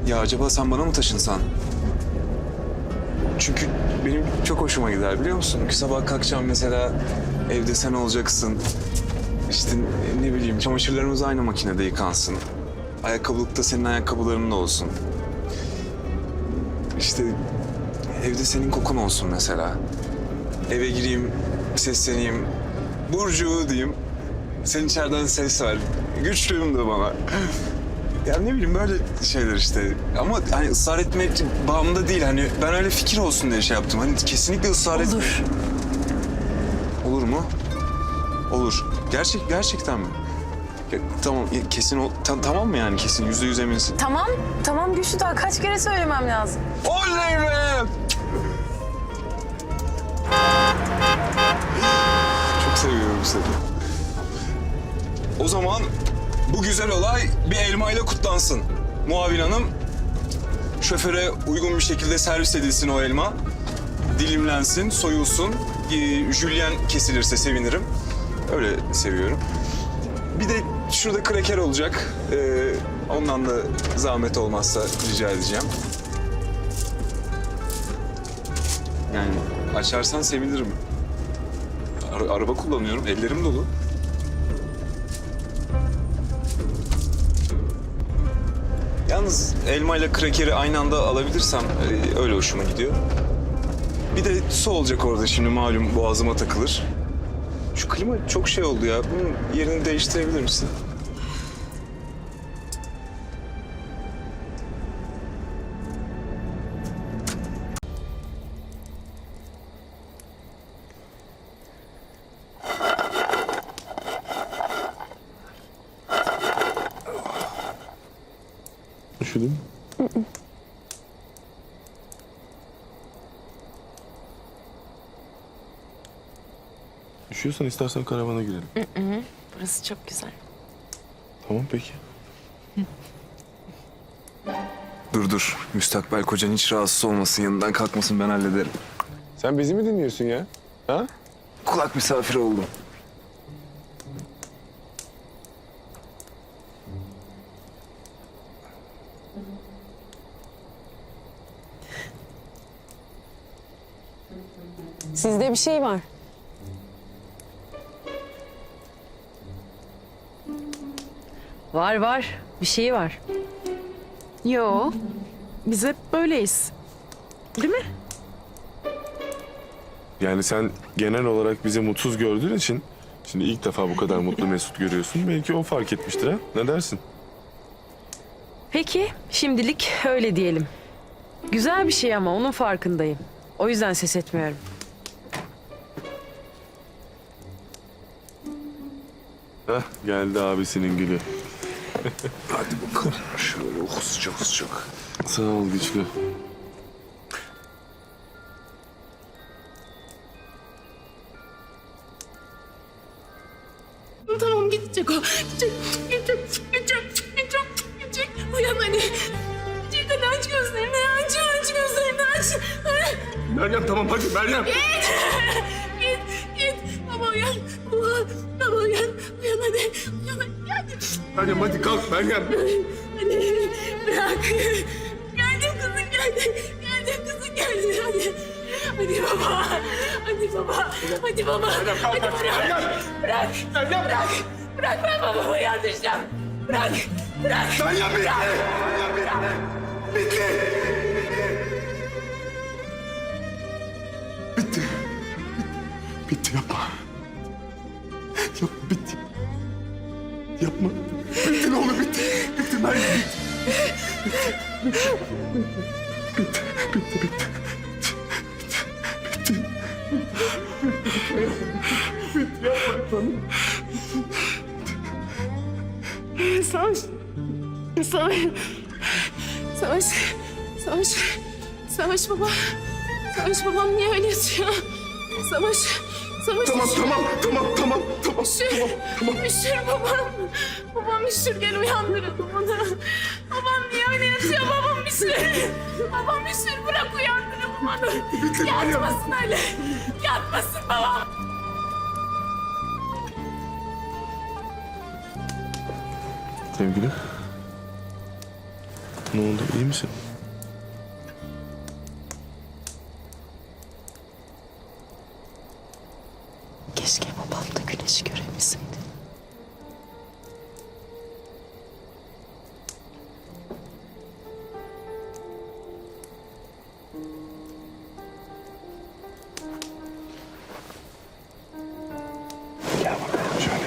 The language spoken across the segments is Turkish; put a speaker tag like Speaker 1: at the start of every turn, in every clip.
Speaker 1: Ya acaba sen bana mı taşınsan? Çünkü benim çok hoşuma gider biliyor musun? Ki sabah kalkacağım mesela, evde sen olacaksın. İşte ne bileyim, çamaşırlarımız aynı makinede yıkansın. Ayakkabılıkta senin ayakkabıların da olsun. İşte evde senin kokun olsun mesela. Eve gireyim, sesleneyim. Burcu diyeyim. Sen içeriden ses ver. Güçlüyüm de bana. Ya ne bileyim böyle şeyler işte. Ama hani ısrar etmek bağımda değil. Hani ben öyle fikir olsun diye şey yaptım. Hani kesinlikle ısrar etme.
Speaker 2: Olur.
Speaker 1: Olur mu? Olur. Gerçekten mi? Ya, tamam kesin tamam mı yani kesin %100 eminsin?
Speaker 2: Tamam Güçlü, daha kaç kere söylemem lazım.
Speaker 1: Oley be! Çok seviyorum seni. O zaman bu güzel olay bir elmayla kutlansın. Muavin hanım, şoföre uygun bir şekilde servis edilsin o elma. Dilimlensin, soyulsun. Jülyen kesilirse sevinirim. Öyle seviyorum. Bir de şurada kraker olacak. Ondan da zahmet olmazsa rica edeceğim. Yani açarsan sevinirim. Araba kullanıyorum, ellerim dolu. Yalnız elma ile krakeri aynı anda alabilirsem öyle hoşuma gidiyor. Bir de su olacak orada şimdi, malum boğazıma takılır. Şu klima çok şey oldu ya. Bunun yerini değiştirebilir misin?
Speaker 3: Üşüdün mü? Üşüyorsan istersen karavana girelim.
Speaker 2: Burası çok güzel.
Speaker 3: Tamam peki.
Speaker 1: Dur. Müstakbel kocan hiç rahatsız olmasın, yanından kalkmasın, ben hallederim.
Speaker 3: Sen bizi mi dinliyorsun ya? Ha?
Speaker 1: Kulak misafiri oldum.
Speaker 4: Sizde bir şey var.
Speaker 2: Var. Bir şey var.
Speaker 5: Yo, biz hep böyleyiz. Değil mi?
Speaker 3: Yani sen genel olarak bizi mutsuz gördüğün için... Şimdi ilk defa bu kadar mutlu Mesut görüyorsun. Belki o fark etmiştir ha? Ne dersin?
Speaker 2: Peki, şimdilik öyle diyelim. Güzel bir şey ama onun farkındayım. O yüzden ses etmiyorum.
Speaker 3: Heh, geldi abisinin gülü.
Speaker 1: Hadi bakalım şöyle sıcak.
Speaker 3: Sağ ol güçlü.
Speaker 5: Tamam, gidecek o. Gidecek. Uyan hadi. Gidecek, hadi aç gözlerini, aç gözlerini, aç.
Speaker 3: Meryem tamam hadi Meryem.
Speaker 5: Git. Baba uyan. Baba uyan hadi. Hadi.
Speaker 3: Meryem hadi kalk Meryem.
Speaker 5: Hadi bırak. Geldim kızım geldi. Hadi baba. Hadi bırak. Bırak ben babamı yardıracağım. Bırak.
Speaker 3: Meryem bitti. Bitti yapma. Bitti. Yapma. Bitti ne olur bitti. Bitti Meryem bitti.
Speaker 5: Savaş baba. Savaş babam niye öyle yatıyor? Savaş.
Speaker 3: Tamam.
Speaker 5: Üşür babam. Babam üşür, gel uyandıralım onu. Babam niye öyle yatıyor? Babam üşür, bırak uyandıralım onu. Yatmasın öyle. Yatmasın babam.
Speaker 3: Sevgili. Ne oldu? İyi misin?
Speaker 4: Keşke babam da güneşi görebilseydi.
Speaker 3: Gel bakalım şöyle.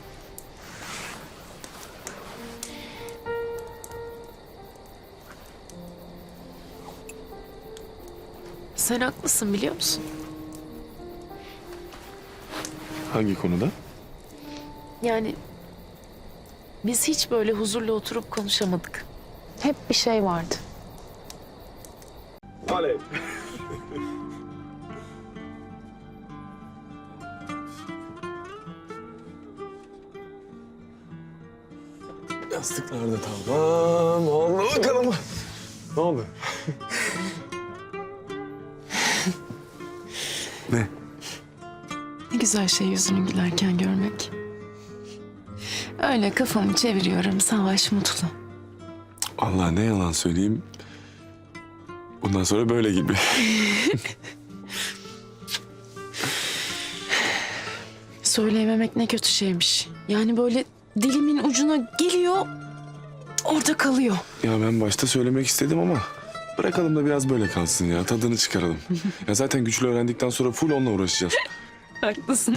Speaker 4: Sen haklısın biliyor musun?
Speaker 3: Hangi konuda?
Speaker 4: Yani biz hiç böyle huzurlu oturup konuşamadık. Hep bir şey vardı.
Speaker 3: Alev. Yastıklar da tamam. Oldu bakalım. Ne oldu? Ne?
Speaker 4: Ne güzel şey yüzünü gülerken görmek. Öyle kafamı çeviriyorum, Savaş mutlu.
Speaker 3: Allah ne yalan söyleyeyim. Bundan sonra böyle gibi.
Speaker 4: Söyleyememek ne kötü şeymiş. Yani böyle dilimin ucuna geliyor, orada kalıyor.
Speaker 3: Ya ben başta söylemek istedim ama bırakalım da biraz böyle kalsın ya. Tadını çıkaralım. Ya zaten güçlü öğrendikten sonra full onunla uğraşacağız.
Speaker 4: Haklısın.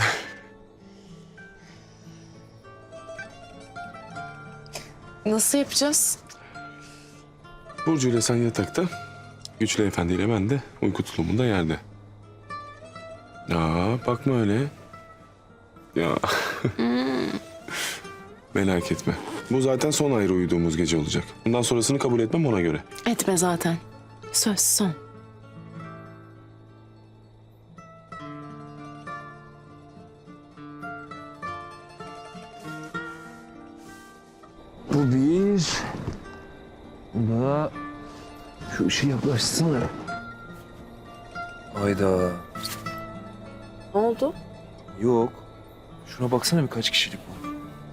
Speaker 4: Nasıl yapacağız?
Speaker 3: Burcu ile sen yatakta, Güçlü Efendi ile ben de uyku tulumunda yerde. Ya bakma öyle. Ya. Merak etme. Bu zaten son ayrı uyuduğumuz gece olacak. Bundan sonrasını kabul etmem ona göre.
Speaker 4: Etme zaten. Söz son.
Speaker 6: Bu bir. Bu da şu ışığı yaklaşsana. Hayda.
Speaker 2: Ne oldu?
Speaker 6: Yok. Şuna baksana birkaç kişilik bu.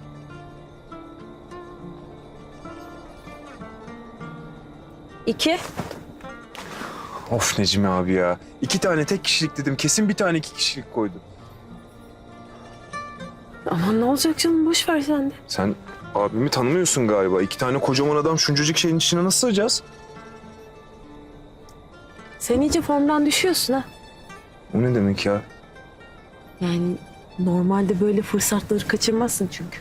Speaker 2: İki.
Speaker 6: Of Necmi abi ya. 2 tane tek kişilik dedim. Kesin bir tane 2 kişilik koydu.
Speaker 2: Aman ne olacak canım, boş ver sen de.
Speaker 6: Sen abimi tanımıyorsun galiba. 2 tane kocaman adam şuncacık şeyin içine nasıl sığacağız?
Speaker 2: Sen iyice formdan düşüyorsun ha.
Speaker 6: O ne demek ya?
Speaker 2: Yani normalde böyle fırsatları kaçırmazsın çünkü.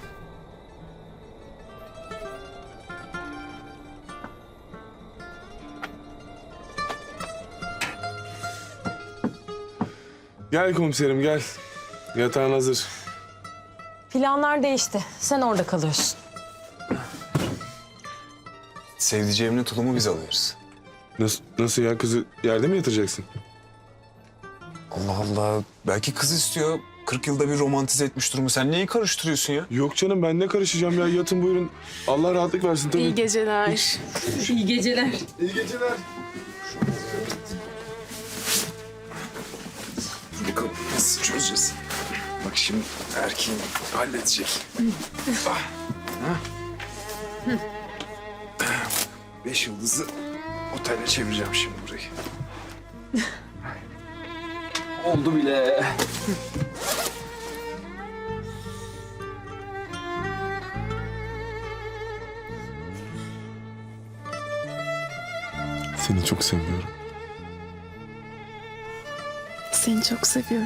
Speaker 3: Gel komiserim gel. Yatağın hazır.
Speaker 2: Planlar değişti. Sen orada kalıyorsun.
Speaker 1: Sevdiceğimle tulumu biz alıyoruz.
Speaker 3: Nasıl ya, kızı yerde mi yatıracaksın?
Speaker 1: Allah Allah. Belki kız istiyor. 40 yılda bir romantize etmiş durumu. Sen neyi karıştırıyorsun ya?
Speaker 3: Yok canım, ben ne karışacağım ya, yatın buyurun. Allah rahatlık versin tabii.
Speaker 4: İyi geceler.
Speaker 2: İyi geceler.
Speaker 3: İyi geceler.
Speaker 1: Bakalım nasıl çözeceğiz? Bak şimdi erkeğin halledecek. Ah. Ha? 5 yıldızlı otele çevireceğim şimdi burayı. Oldu bile.
Speaker 3: Seni çok seviyorum.
Speaker 4: Seni çok seviyorum.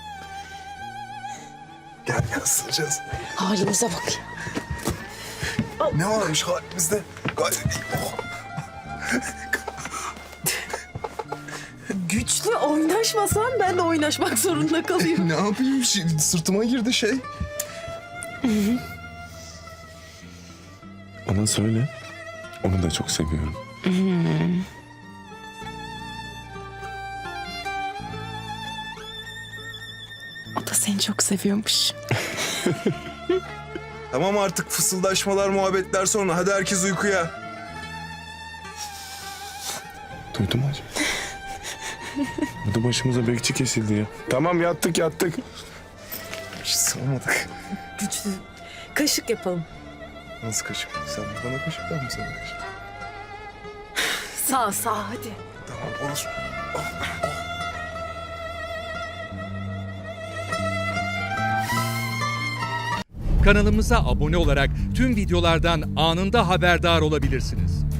Speaker 1: Gel gel ısıracağız.
Speaker 4: Halimize bak ya.
Speaker 1: Ne varmış halimizde? Gayet iyi. Oh.
Speaker 2: Güçlü oynaşmasan ben de oynaşmak zorunda kalayım.
Speaker 1: Ne yapayım? Sırtıma girdi şey.
Speaker 3: Ona söyle. Onu da çok seviyorum.
Speaker 4: O da seni çok seviyormuş.
Speaker 1: Tamam artık fısıldaşmalar, muhabbetler sonra. Hadi herkes uykuya.
Speaker 3: Duydun mu acaba? Burada başımıza bekçi kesildi ya. Tamam yattık.
Speaker 1: Hiç sığamadık.
Speaker 2: Güçlü. Kaşık yapalım.
Speaker 1: Nasıl kaşık? Sen bana kaşık, ben mi sana kaşık?
Speaker 2: Sağ hadi.
Speaker 3: Tamam orası.
Speaker 7: Kanalımıza abone olarak tüm videolardan anında haberdar olabilirsiniz.